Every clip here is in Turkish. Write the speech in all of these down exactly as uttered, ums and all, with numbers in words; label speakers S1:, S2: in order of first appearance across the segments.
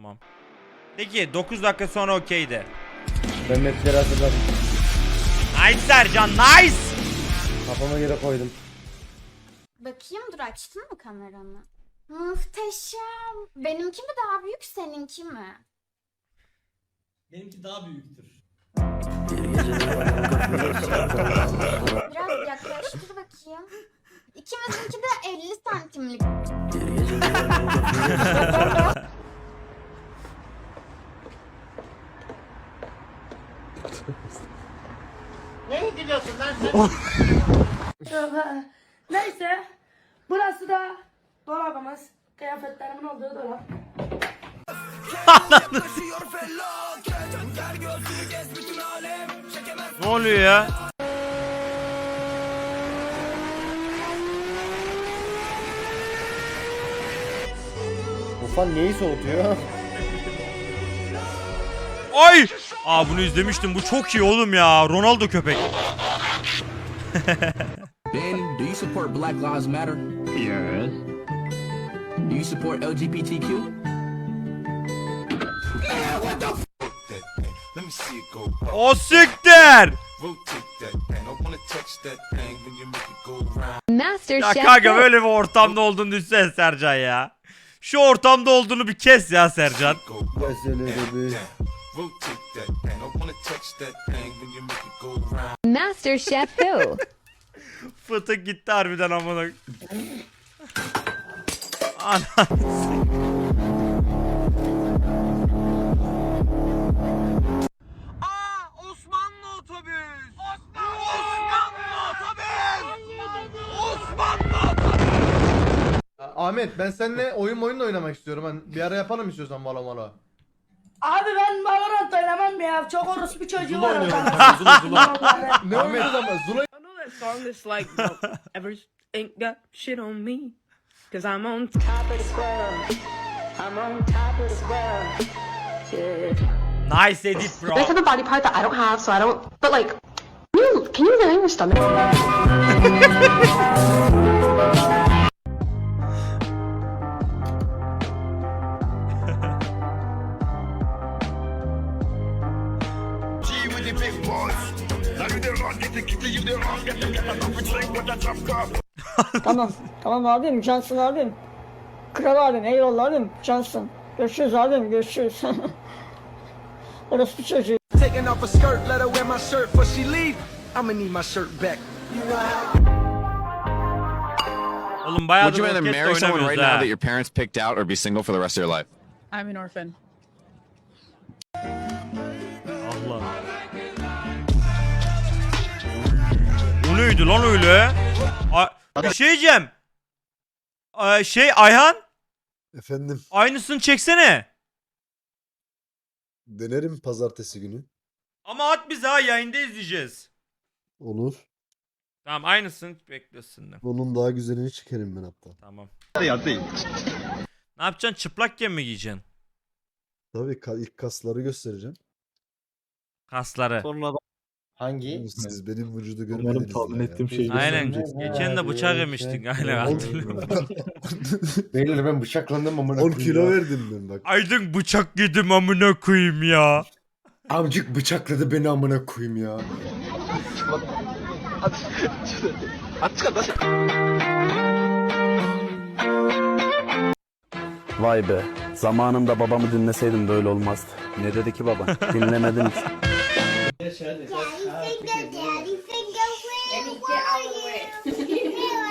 S1: Tamam. Peki dokuz dakika sonra okey de.
S2: Ben mapleri hazırladım.
S1: Nice Sercan, nice.
S2: Kafama göre koydum.
S3: Bakayım, dur, açtın mı kameranı? Muhteşem. Benimki mi daha büyük, seninki mi?
S4: Benimki daha büyüktür.
S3: Biraz yaklaştır bakayım. İkimizinki de elli santimlik.
S4: Neye gülüyorsun lan sen?
S5: Neyse. Burası da dolabımız. Kıyafetlerimin olduğu dolap.
S1: Ne oluyor ya?
S2: Ufan neyi soğutuyor?
S1: Ay! Aa bunu izlemiştim. Bu çok iyi oğlum ya. Ronaldo köpek.
S6: Ben, do you support Black Lives Matter? Yes. Do you support L G B T Q?
S1: O siktir!
S7: Master
S1: Ya
S7: Chef
S1: kanka
S7: Pro.
S1: böyle bir ortamda olduğunu düşünsene Sercan ya. Şu ortamda olduğunu bir kes ya Sercan.
S2: Mesele dedi.
S7: Master Chef Who?
S1: Fıtık gitti harbiden amına. Ana. Aa Osmanlı otobüs. Osmanlı otobüs. Osmanlı otobüs.
S8: Ahmet ben seninle oyun oyun da oynamak istiyorum. Hani bir ara yapalım istiyorsan valo malo.
S5: Abi ben Valorant oynamam ya. Çok orospu çocuğu var orada.
S8: Zula Zula. Ne oynuyoruz ama Zula
S9: I know that song that's like, don't ever ain't got shit on me. Cause I'm on top of the world. I'm on top of the world. Yeah.
S1: Nice edit bro.
S10: This is a body part that I don't have, so I don't. But like, can you can you really your stomach?
S5: Tamam. Tamam abim. Cansın abim. Kral abim. Eyvallah abim. Cansın. Görüşürüz abim. Görüşürüz. Orospu çocuğu.
S6: Taking off a skirt, let her wear my shirt before she leave. I'ma need my shirt back.
S1: Oğlum bayağı
S11: Would you rather
S1: roket
S11: marry someone right
S1: oynamıyoruz
S11: now
S1: ha.
S11: that your parents picked out or be single for the rest of your life?
S9: I'm an orphan.
S1: Allah. O neydi lan öyle? A bir şey diyeceğim. Ay şey Ayhan,
S8: Efendim
S1: aynısını çeksene.
S8: denerim pazartesi günü.
S1: Ama at bize ha, yayında izleyeceğiz.
S8: Olur.
S1: Tamam aynısını bekliyorsun.
S8: Onun daha güzelini çekerim ben hatta.
S1: Tamam. Ne yapacaksın? Çıplakken mi giyeceksin?
S8: Tabii ka- ilk kasları göstereceğim.
S1: Kasları.
S2: Hangi?
S8: Siz benim vücudu
S2: Umarım
S8: görmediniz.
S2: tahmin
S8: ya.
S2: ettiğim şeyi
S1: Aynen.
S2: göstermeyeceksin.
S1: Geçen de bıçak yemiştin. Aynen hatırlıyorum.
S2: Beyler ben bıçaklandım amına
S8: on
S2: koyayım
S8: kilo
S2: ya.
S8: verdim ben bak.
S1: Aydın bıçak yedim amına koyayım ya.
S2: Amcık bıçakladı beni amına koyayım ya.
S12: Vay be. Zamanında babamı dinleseydim böyle olmazdı. Ne dedi ki baba? Dinlemedim ki.
S3: Daddy finger, daddy finger, where were you? Here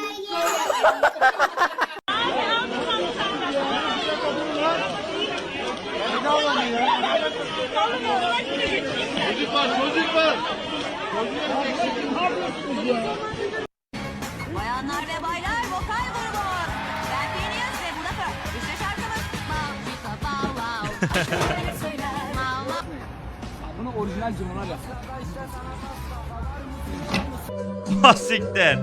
S7: Bayanlar ve baylar, vokal grubu. Ben Phineas ve bu da Pearl. İşte şarkımız. Wow, wow, wow. Wow, wow.
S6: Bunu orijinal cimona yap.
S1: Ah siktir.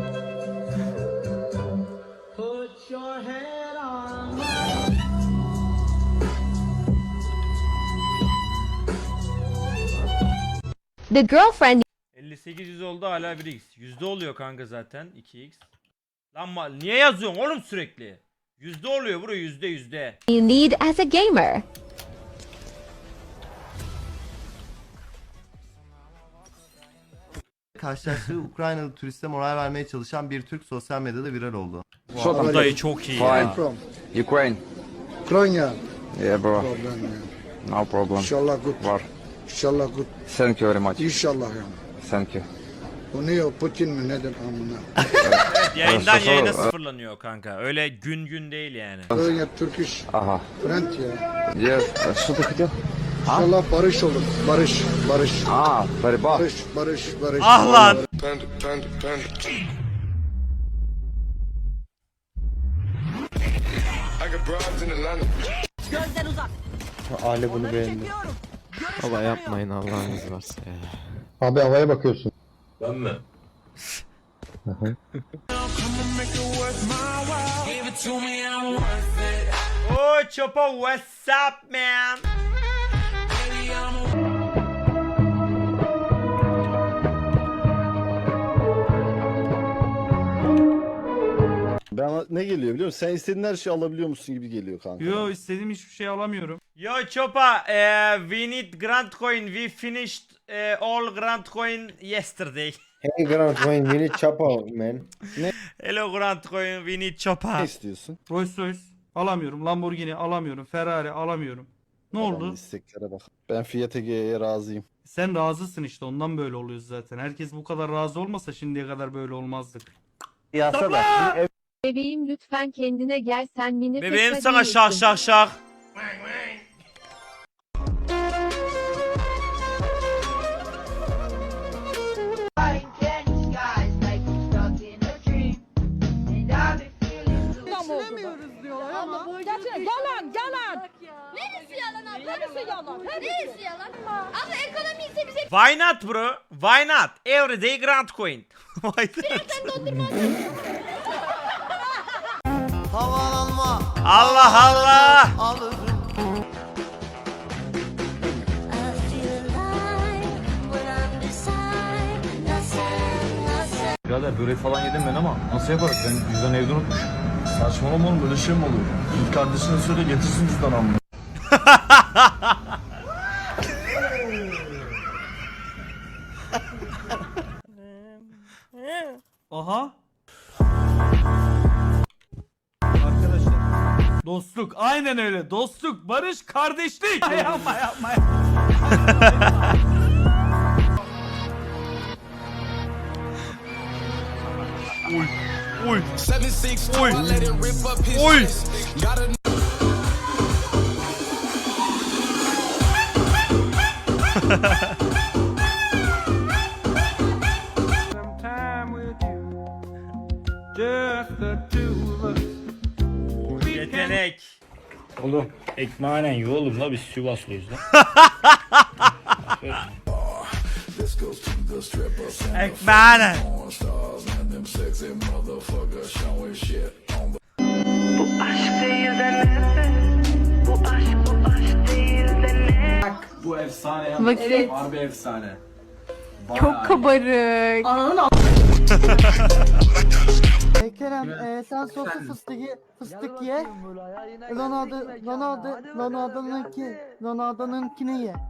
S4: Put your head on.
S7: The girlfriend
S1: elli sekiz yüz oldu hala bir x. Yüzde oluyor kanka zaten iki x. Lan ma- niye yazıyorsun oğlum sürekli? Yüzde oluyor bro, yüzde yüzde.
S7: you need as a gamer.
S13: karşılaştığı Ukraynalı turiste moral vermeye çalışan bir Türk sosyal medyada viral oldu.
S1: Bu dayı çok iyi ya.
S12: Ukraine.
S2: Ukrayna.
S12: Yeah bro. No problem.
S2: İnşallah good.
S12: Var.
S2: İnşallah good.
S12: Thank you very much.
S2: İnşallah ya.
S12: Thank you.
S2: Bu ne o Putin mi nedir amına?
S1: Evet, yayından
S12: Mustafa-
S1: yayına sıfırlanıyor kanka. Öyle gün gün değil yani.
S2: Ukrayna Turkish
S12: Ага.
S2: friend ya.
S12: Yes. Что ты хотел?
S2: İnşallah barış olur. Barış, barış.
S12: А, борьба.
S2: Barış, barış, barış.
S1: Ah lan.
S7: Gözden uzak.
S2: Ale bunu beğendi.
S7: Çekiyorum.
S14: Baba yapmayın Allah'ınız varsa ya.
S2: Abi havaya bakıyorsun.
S4: Ben mi?
S1: Oh Chopa, what's up man?
S12: Ben ne geliyor biliyor musun? Sen istediğin her şeyi alabiliyor musun gibi geliyor kanka.
S4: Yo istediğim hiçbir şey alamıyorum.
S1: Yo Chopa, eh, we need Grand Coin. We finished eh, all Grand Coin yesterday.
S2: Hey Grand Wayne, we need chop out man.
S1: Hello Grand Coin, we need Chopa.
S12: Ne istiyorsun?
S4: Rolls Royce alamıyorum. Lamborghini alamıyorum. Ferrari alamıyorum. Ne
S12: Adamın
S4: oldu?
S12: isteklere bak. Ben Fiat Ege'ye razıyım.
S4: Sen razısın işte ondan böyle oluyoruz zaten. Herkes bu kadar razı olmasa şimdiye kadar böyle olmazdık.
S10: Bebeğim lütfen kendine gel, sen mini
S1: Bebeğim
S10: feta
S1: sana
S10: değilsin.
S1: şak şak şak.
S7: Yalan yalan. Neresi yalan abla? Neresi yalan? Neresi yalan? Abla ekonomi ise bize
S1: Why not bro? Why not? Everyday Grand Coin. Why not?
S13: Havalanma
S1: Allah Allah.
S13: alırım.
S14: Birader börek falan yedim ben ama nasıl yaparız? Ben cüzdan evde unutmuşum. Saçmalama oğlum böyle şey mi olur? Git kardeşine söyle getirsin cüzdan amma.
S4: Aha. Arkadaşlar. Dostluk. Aynen öyle. Dostluk, barış, kardeşlik. yapma yapma.
S1: Uy. Uy. Uy. Uy. Yetenek.
S14: Oğlum ekmeğinen yiyor oğlum la biz Sivaslıyız lan.
S1: Ekmeğine.
S14: Bu efsane ya.
S10: Evet.
S14: Harbi efsane.
S10: Çok kabarık.
S5: Kerem, e, sen soslu fıstık ye, fıstık ye. Ronaldo, Ronaldo, Ronaldo'nunki, Ronaldo'nunkini ye.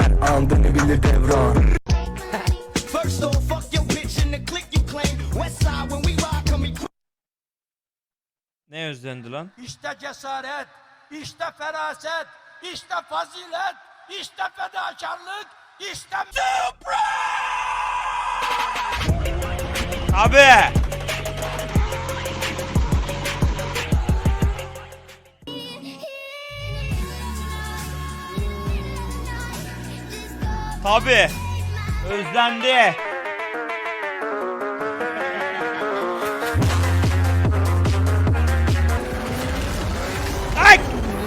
S1: Ne özlendi lan?
S4: İşte cesaret, işte feraset, işte fazilet, işte fedakarlık, işte
S1: Abi. Tabi. Özlendi. Ay!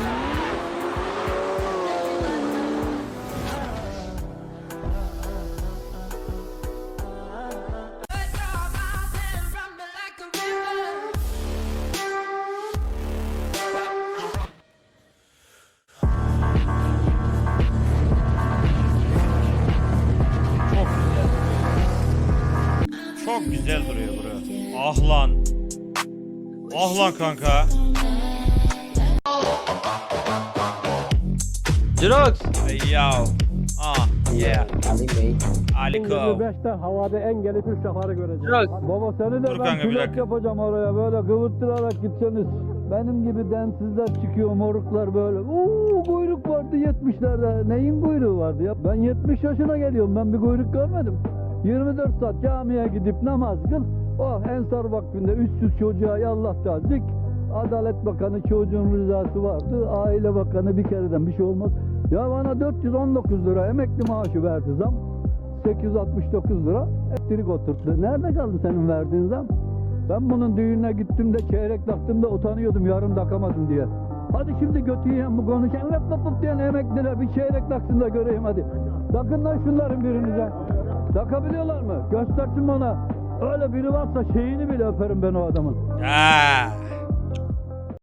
S1: Çok güzel duruyor bro. Ah lan. Ah lan kanka.
S14: Jirox.
S1: Ey yav. Ah. Yeah.
S2: Ali Bey.
S1: Aliko.
S5: beşte havada en gelip üç defarı göreceğim. Baba seni de
S1: Dur
S5: ben
S1: kanka, bir
S5: pilot
S1: dakika.
S5: yapacağım oraya böyle kıvırttırarak gitseniz. Benim gibi densizler çıkıyor moruklar böyle. Uuu kuyruk vardı yetmişlerde. Neyin kuyruğu vardı ya? Ben yetmiş yaşına geliyorum, ben bir kuyruk görmedim. yirmi dört saat camiye gidip namaz kıl. Oh Ensar Vakfı'nda üçsüz çocuğa yallah tazik. Adalet Bakanı çocuğun rızası vardı. Aile Bakanı bir kereden bir şey olmaz. Ya bana dört yüz on dokuz lira emekli maaşı verdi zam. sekiz yüz altmış dokuz lira elektrik oturttu. Nerede kaldı senin verdiğin zam? Ben bunun düğününe gittim de çeyrek taktım da utanıyordum yarım takamadım diye. Hadi şimdi götü yiyen bu konuşan lap lap lap diyen emekliler bir çeyrek taksın da göreyim hadi. Takın lan şunların birinize. Takabiliyorlar mı? Göstersin bana. Öyle biri varsa şeyini bile öperim ben o adamın.
S1: Ha.